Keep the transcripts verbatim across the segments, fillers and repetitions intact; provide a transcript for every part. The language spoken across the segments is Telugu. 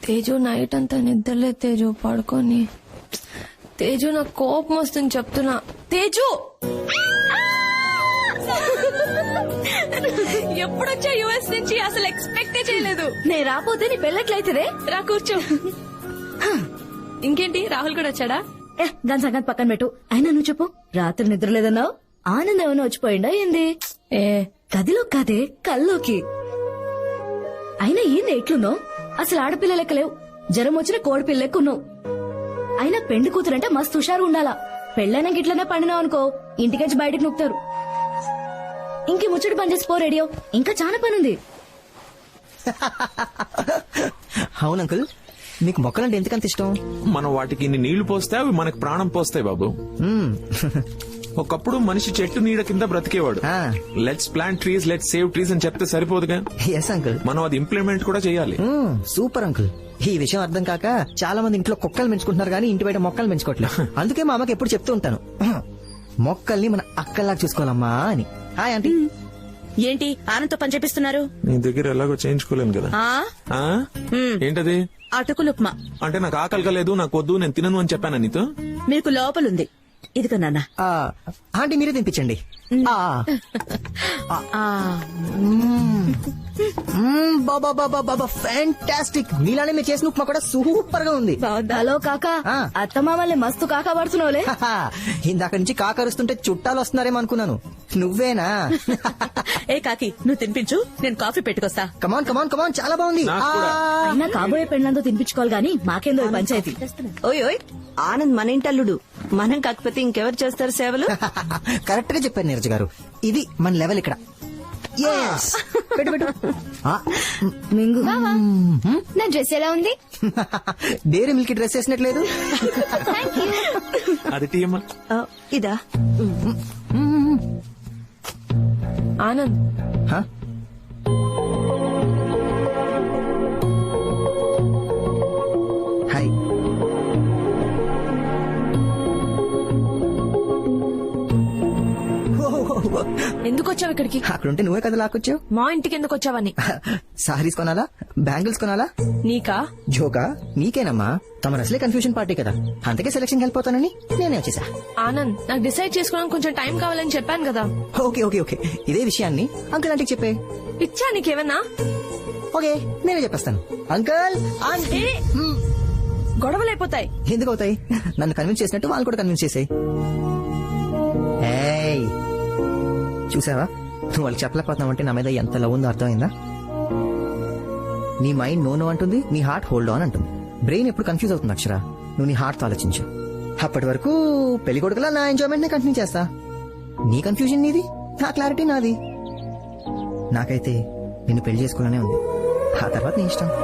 తేజు నైట్ అంతా నిద్రలే తేజు పడుకొని. తేజు నాకు కోపం వస్తుంది చెప్తున్నా. తేజు ఎప్పుడొచ్చా యుఎస్ నుంచి? అసలు ఎక్స్పెక్టే చేయలేదు. నేను రాపోతే నీ పెళ్ళట్లయితేదే. రా కూర్చో. ఇంకేంటి రాహుల్ కూడా వచ్చాడా? ఏ దాని సంగతి పక్కన పెట్టు. అయినా నువ్వు చెప్పు, రాత్రి నిద్ర లేదన్నావు. ఆనందం ఏమైనా వచ్చిపోయిందా ఏంది? ఏ గదిలో కాదే కల్లోకి. అయినా ఏంది ఎట్లున్నావు? అసలు ఆడపిల్ల లెక్క లేవు. జ్వరం వచ్చిన కోడి పిల్ల లెక్క ఉన్నావు. అయినా పెండి కూతురంటే మస్తు హుషారు ఉండాలా. పెళ్ళైనా గిట్లనే పండినావు అనుకో ఇంటికెచ్చి బయటకు నొక్కుతారు. ఇంకే ముచ్చటి పని చేసి పో రేడియో, ఇంకా చాలా పనుంది. అవును అంకుల్, మీకు మొక్కలంటే ఎందుకంత ఇష్టం? మనం వాటికి ఇన్ని నీళ్లు పోస్తే అవి మనకు ప్రాణం పోస్తాయి బాబు. ఒకప్పుడు మనిషి చెట్టు నీడ కింద బ్రతికేవాడు. Let's plant trees, let's save trees అని చెప్తే సరిపోదుగా. ఎస్ అంకుల్, మనం అది ఇంప్లిమెంట్ కూడా చేయాలి. Super uncle. ఈ విషయం అర్థం కాక చాలా మంది ఇంట్లో కుక్కలు పెంచుకుంటున్నారు కానీ ఇంటి బయట మొక్కలు పెంచుకోవట్లేదు. అందుకే మా అమ్మకి ఎప్పుడు చెప్తూ ఉంటాను, మొక్కల్ని మన అక్కల్లాగా చూసుకోవాలమ్మా అని. Hi aunty. ఏంటి ఆనంతో పని చేపిస్తున్నారు? నీ దగ్గర ఎలాగో చేయించుకోలేను కదా. ఆ? ఏంటది? అటుకులు ఉప్మా. అంటే నాకు ఆకలి కలేదు, నాకు వద్దు, నేను తినను అని చెప్పాను నీతో. మీకు లోపలుంది, ఇదిగో నాన్న. ఆంటీ మీరే తినిపించండి. ఫ్యాంటాస్టిక్. మీలానే మీరు చేసిన ఉప్మా కూడా సూపర్ గా ఉంది. హలో కాకా, అత్తమామల్ని మస్తు కాకా పడుతున్నావులే. ఇందాక నుంచి కాకరుస్తుంటే చుట్టాలు వస్తున్నారేమో అనుకున్నాను. నువ్వేనా? ఏ కాకి, నువ్వు తినిపించు, నేను కాఫీ పెట్టుకొస్తా. కమాన్ కమాన్ కమాన్, చాలా బాగుంది. అయినా కాబోయే పెళ్ళంతో తినిపించుకోవాలి గానీ మాకేందో పంచాయతీ. ఓయ్ ఓయ్, ఆనంద్ మన ఇంటల్లుడు. మనం కాకపోతే ఇంకెవరు చేస్తారు సేవలు? కరెక్ట్ గా చెప్పారు నీరజ్ గారు. ఇది మన లెవెల్ ఇక్కడ. పెట్టు పెట్టు. మింగు నా డ్రెస్ ఎలా ఉంది? డైరీ మిల్క్ డ్రెస్ వేసినట్లేదు. అది టీయమ్మా. ఇదా ఆనంద్. హాయ్. ఎందుకు వచ్చావు ఇక్కడికి? అక్కడుంటే నువ్వే కదా లాక్కొచ్చావు. మా ఇంటికి ఎందుకు వచ్చావని? సారీస్ కొనాలా, బ్యాంగిల్స్ కొనాలా? నీకా? జోకా? నీకేనమ్మా. తమ అసలే కన్ఫ్యూజన్ పార్టీ కదా, అందుకే సెలక్షన్ వెళ్ళిపోతానని నేనే వచ్చేసా. ఆనంద్, నాకు డిసైడ్ చేసుకోవడానికి కొంచెం టైం కావాలని చెప్పాను కదా. ఓకే ఓకే ఓకే, ఇదే విషయాన్ని అంకుల్ ఆంటీకి చెప్పే. ఇచ్చా నీకేమన్నా? ఓకే, నేనే చెప్పేస్తాను. Uncle aunty. గొడవలు అయిపోతాయి. ఎందుకు అవుతాయి? నన్ను కన్విన్స్ చేసినట్టు వాళ్ళు కూడా కన్విన్స్ చేసాయి. చూసావా, నువ్వు వాళ్ళకి చెప్పలేకపోతున్నావు అంటే నా మీద ఎంత లవ్ ఉందో అర్థమైందా? నీ మైండ్ నో నో అంటుంది, నీ హార్ట్ హోల్డ్ ఆన్ అంటుంది. బ్రెయిన్ ఎప్పుడు కన్ఫ్యూజ్ అవుతుంది అక్షరా. నువ్వు నీ హార్ట్ తో ఆలోచించు. అప్పటి వరకు పెళ్లి కొడుకులా నా ఎంజాయ్మెంట్ నే కంటిన్యూ చేస్తా. నీ కన్ఫ్యూజన్ నీది, నా క్లారిటీ నాది. నాకైతే నిన్ను పెళ్లి చేసుకోవాలనే ఉంది. ఆ తర్వాత నీ ఇష్టం.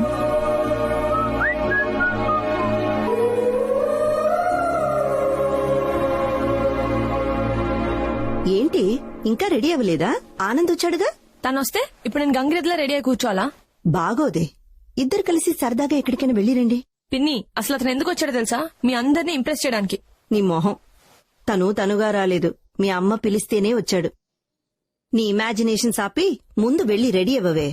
ఏంటి ఇంకా రెడీ అవ్వలేదా? ఆనంద్ వచ్చాడుగా. తను వస్తే ఇప్పుడు నేను గంగిరెద్దులా రెడీ అయి కూర్చోవాలా? బాగోదే, ఇద్దరు కలిసి సరదాగా ఎక్కడికైనా వెళ్ళిరండి. పిన్ని, అసలు అతను ఎందుకు వచ్చాడో తెలుసా? మీ అందరినీ ఇంప్రెస్ చేయడానికి. నీ మొహం. తను తనుగా రాలేదు, మీ అమ్మ పిలిస్తేనే వచ్చాడు. నీ ఇమాజినేషన్ ఆపి ముందు వెళ్లి రెడీ అవ్వవే.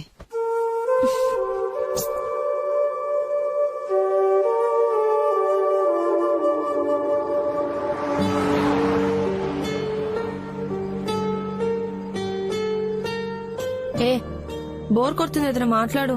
ఏ బోర్ కొడుతుంది, ఎదురు మాట్లాడు.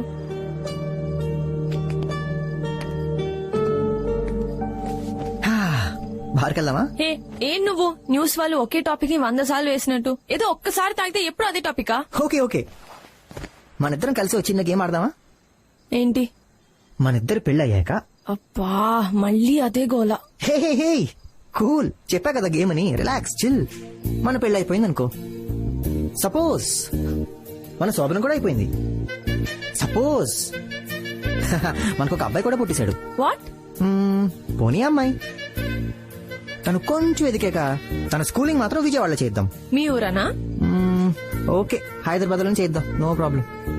బార్కెళ్దామా? ఏ ఏం నువ్వు న్యూస్ వాళ్ళు ఒకే టాపిక్ ని వంద సార్లు వేసినట్టు ఏదో ఒక్కసారి తాగితే ఎప్పుడు అదే టాపికా? ఓకే ఓకే, మన ఇద్దరం కలిసి వచ్చిన గేమ్ ఆడదామా? ఏంటి? మన ఇద్దరు పెళ్ళయ్యాక. అబ్బా మళ్ళీ అదే గోలా. హే హే హే కూల్, చెప్పా కదా గేమ్ అని. Relax, chill. మన పెళ్ళి అయిపోయింది అనుకో. సపోజ్ మన శోభనం కూడా అయిపోయింది. సపోజ్ మనకు ఒక అబ్బాయి కూడా పుట్టేశాడు. వాట్? పోనీ అమ్మాయి. తను కొంచెం ఎదికాక తన స్కూలింగ్ మాత్రం విజయవాడలో చేద్దాం. మీ ఊరనా? ఓకే, హైదరాబాద్ లో చేద్దాం, నో ప్రాబ్లం.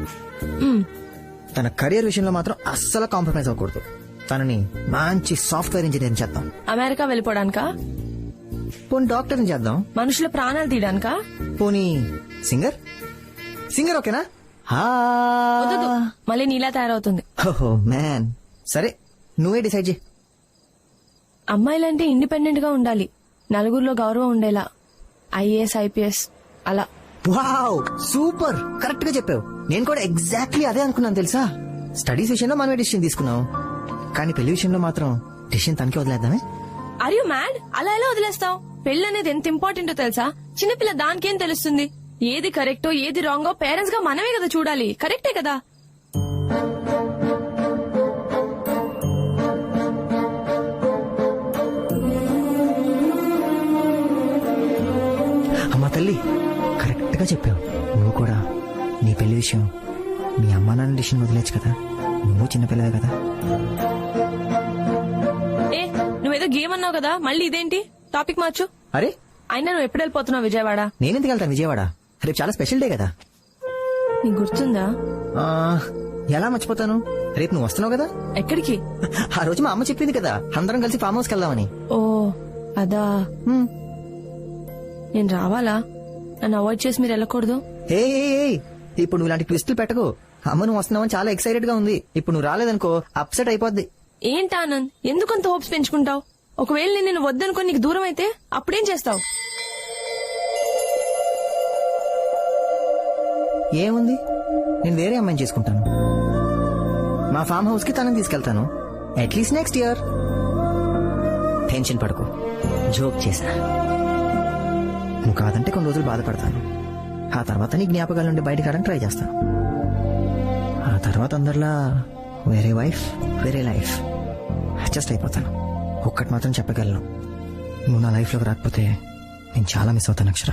తన కెరియర్ విషయంలో మాత్రం అస్సలు కాంప్రమైజ్ అవ్వకూడదు. తనని మంచి సాఫ్ట్వేర్ ఇంజనీర్ చేద్దాం. అమెరికా వెళ్ళిపోవడానికా? పోనీ డాక్టర్ చేద్దాం. మనుషుల ప్రాణాలు తీయడానికా? పోనీ సింగర్. సింగర్ ఓకేనా? వద్దు, మళ్ళీ నీలా తయారవుతుంది. ఓహో మ్యాన్, సరే నువ్వే డిసైడ్ చేయి. అమ్మాయిలంటే ఇండిపెండెంట్ గా ఉండాలి, నలుగురిలో గౌరవం ఉండేలా, ఐఏఎస్ ఐపీఎస్ అలా. వావ్ సూపర్, కరెక్ట్ గా చెప్పావు. నేను కూడా ఎగ్జాక్ట్లీ అదే అనుకున్నాను తెలుసా. స్టడీస్ విషయంలో మనమే డిసిషన్ తీసుకున్నాం, కానీ పెళ్లి విషయంలో మాత్రం డిసిషన్ తనకే వదిలేద్దామే. Are you mad? అలా ఎలా వదిలేస్తావు? పెళ్లి అనేది ఎంత ఇంపార్టెంటో తెలుసా? చిన్నపిల్ల దానికేం తెలుస్తుంది? ఏది కరెక్టో ఏది రాంగో పేరెంట్స్ గా మనమే కదా చూడాలి. కరెక్టే కదా? అమ్మా తల్లి, కరెక్ట్ గా చెప్పావు. నువ్వు కూడా నీ పెళ్లి విషయం మీ అమ్మా నాన్న డిసిషన్ వదిలేచ్చు కదా, నువ్వు చిన్నపిల్లవే కదా. ఏ నువ్వేదో గేమ్ అన్నావు కదా, మళ్ళీ ఇదేంటి? టాపిక్ మార్చు. అరే అయినా నువ్వు ఎప్పుడు వెళ్ళిపోతున్నావు విజయవాడ? నేనెందుకు వెళ్తాను విజయవాడ, రేపు చాలా స్పెషల్ డే కదా. నీకు గుర్తుందా? ఆ, ఎలా మర్చిపోతాను, రేపు నువ్వు వస్తున్నావు కదా. ఎక్కడికి? ఆ రోజు మా అమ్మ చెప్పింది కదా అందరం కలిసి ఫామ్ హౌస్కి వెళ్దామని. ఓ అదా. హ్మ్. నేను రావాలా? నన్ను అవాయిడ్ చేసి మీరు వెళ్ళకూడదు. ఏ ఏ, ఏ, ఇప్పుడు నువ్వు ఇలాంటి ట్విస్టులు పెట్టకు. అమ్మ నువ్వు వస్తున్నావని చాలా ఎక్సైటెడ్ గా ఉంది. ఇప్పుడు నువ్వు రాలేదనుకో అప్సెట్ అయిపోద్ది. ఏంటి ఆనంద్, ఎందుకంత హోప్స్ పెంచుకుంటావు? ఒకవేళ నేను నిన్ను వద్దనుకొని నీకు దూరం అయితే అప్పుడేం చేస్తావు? ఏముంది, నేను వేరే అమ్మాయిని చేసుకుంటాను. మా ఫామ్ హౌస్ కి తనని తీసుకెళ్తాను, అట్లీస్ట్ నెక్స్ట్ ఇయర్. టెన్షన్ పడకు, జోక్ చేశా. నువ్వు కాదంటే కొన్ని రోజులు బాధపడతాను, ఆ తర్వాత నీ జ్ఞాపకాల నుండి బయటకు రావడానికి ట్రై చేస్తాను. ఆ తర్వాత అందరిలా వేరే వైఫ్ వేరే లైఫ్ అడ్జస్ట్ అయిపోతాను. ఒక్కటి మాత్రం చెప్పగలను, నువ్వు నా లైఫ్ లోకి రాకపోతే నేను చాలా మిస్ అవుతాను Akshara.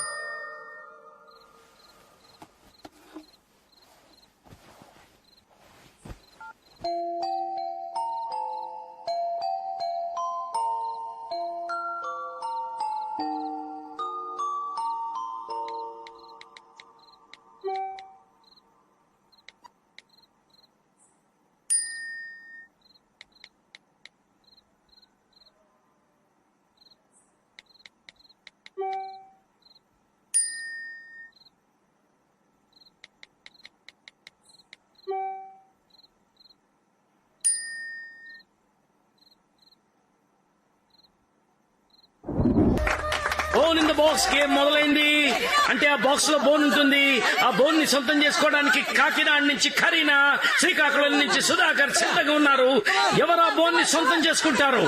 Bone in the box game మొదలైంది. అంటే ఆ బాక్స్ లో బోన్ ఉంటుంది. ఆ బోన్ ని సొంతం చేసుకోవడానికి కాకినాడ నుంచి కరీనా, శ్రీకాకుళం నుంచి సుధాకర్ సిద్ధంగా ఉన్నారు. ఎవరు ఆ బోన్ ని సొంతం చేసుకుంటారు?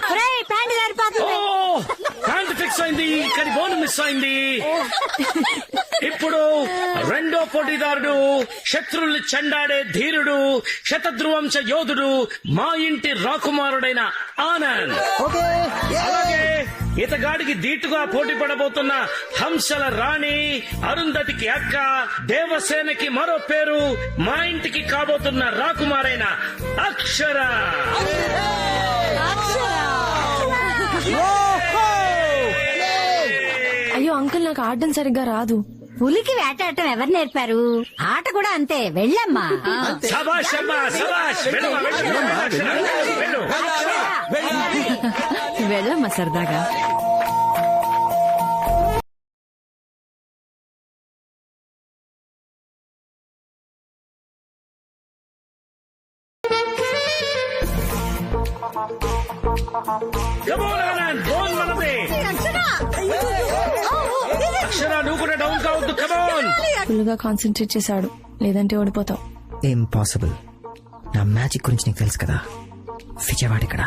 ప్యాంట్ ఫిక్స్ అయింది, కానీ బోన్ మిస్ అయింది. ఇప్పుడు రెండో పోటీదారుడు, శత్రుల్ని చెండాడే ధీరుడు, శతధ్రువంశ యోధుడు, మా ఇంటి రాకుమారుడైన ఆనంద్. అలాగే ఇతగాడికి ధీటుగా పోటీ పడబోతున్న హంసల రాణి, అరుంధతికి అక్క, దేవసేనకి మరో పేరు, మా ఇంటికి కాబోతున్న రాకుమారైన అక్షర. అయ్యో అంకుల్, నాకు ఆడడం సరిగ్గా రాదు. పులికి వేటాడటం ఎవరు నేర్పారు? ఆట కూడా అంతే, వెళ్ళమ్మా. శభాష్ అమ్మా, శభాష్. వెళ్ళు, వెళ్ళు, వెళ్ళు. వెళ్ళమ్మా సరదాగా. Come on, Anand, బోన్ మనదే. అక్షర నువ్వు కూడా డౌన్ కావద్దు. కమోన్. ఫుల్ గా కాన్సన్ట్రేట్ చేశాడు, లేదంటే ఓడిపోతావు. ఇంపాసిబుల్. నా మ్యాజిక్ గురించి నీకు తెలుసు కదా. విజయవాడ ఇక్కడ.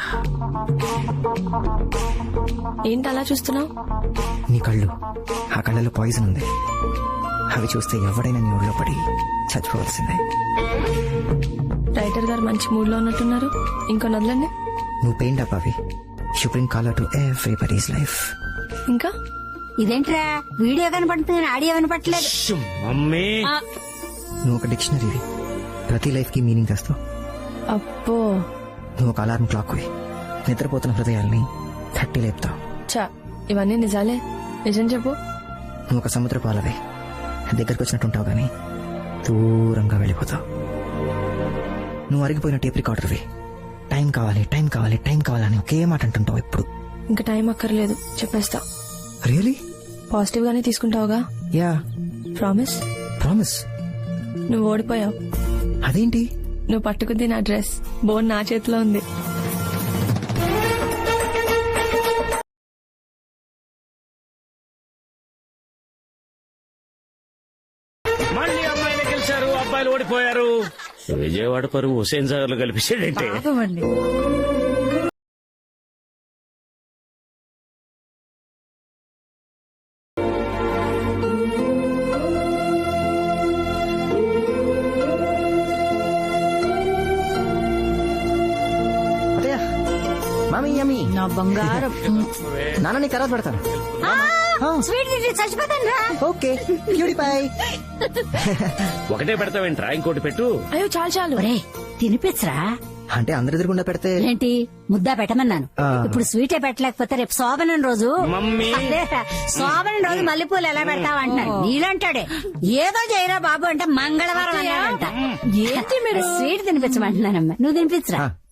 ఏంటి అలా చూస్తున్నావు? నీ కళ్ళు, ఆ కళ్ళలో పాయిజన్ ఉంది. అవి చూస్తే ఎవడైనా నీ ఊళ్ళో పడి చచ్చిపోవాల్సిందే. రైటర్ గారు మంచి మూడ్ లో ఉన్నట్టున్నారు, ఇంకో నదులండి. నువ్వు పెయింట్ అప్ అవి. You bring colour to everybody's life. ఇంకా ఇదేంట్రా వీడియో కనపడుతుంది, ఆడియో వినపట్లేదు. మమ్మీ, నువ్వు ఒక డిక్షనరీవి, ప్రతి లైఫ్ కి మీనింగ్ తెస్తావు. అబ్బో, నువ్వు ఒక అలారం క్లాక్ వి, నిద్రపోతున్న హృదయాల్ని తట్టి లేపుతావు. చా ఇవన్నీ నిజాలే. నిజం చెప్పు. నువ్వు ఒక సముద్ర పాలవే, దగ్గరకు వచ్చినట్టుంటావు గానీ దూరంగా వెళ్ళిపోతావు. నువ్వు అరిగిపోయిన టేప్ రికార్డర్వి, టైం కావాలి టైం కావాలి టైం కావాలని ఒకే మాట అంటుంటావు ఎప్పుడు. ఇంకా టైం అక్కర్లేదు, చెప్పేస్తా. రియలీ? పాజిటివ్ గానే తీసుకుంటావుగా? యా. ప్రామిస్? ప్రామిస్. నువ్వు ఓడిపోయావు. అదేంటి? నువ్వు పట్టుకుంది నా డ్రెస్, బోన్ నా చేతిలో ఉంది. మళ్ళీ అమ్మాయిలు గెలిచారు, అబ్బాయిలు ఓడిపోయారు. విజయవాడ పరువు హుసేన్ సాగర్ లో కలిపిస్తాడంటే. అత్తయ్య, మామీ యమ్మీ. నా బంగారం నాన్న నీ తర్వాత పెడతాను. స్వీట్ తింటే చచ్చిపోతాను రా. Okay purify. ఒకటే పెడతావేంట్రా, ఇంకోటి పెట్టు. అయ్యో చాలు చాలు. ఒరే తినిపించరా. అంటే అందరి ఎదురుగుండా పెడితే ఏంటి ముద్దా పెట్టమన్నాను. ఆ. ఇప్పుడు స్వీటే పెట్టలేకపోతే రేపు శోభనం రోజు మమ్మీ. అదే, శోభనం రోజు మల్లెపూలు ఎలా పెడతావు అంటున్నాడు. నీలంటాడే ఏదో చేయరా బాబు అంటే మంగళవారం అన్నాడంట. ఏంటి మీరు స్వీట్ తినిపించమంటున్నానమ్మా, నువ్వు తినిపించరా. ఆ,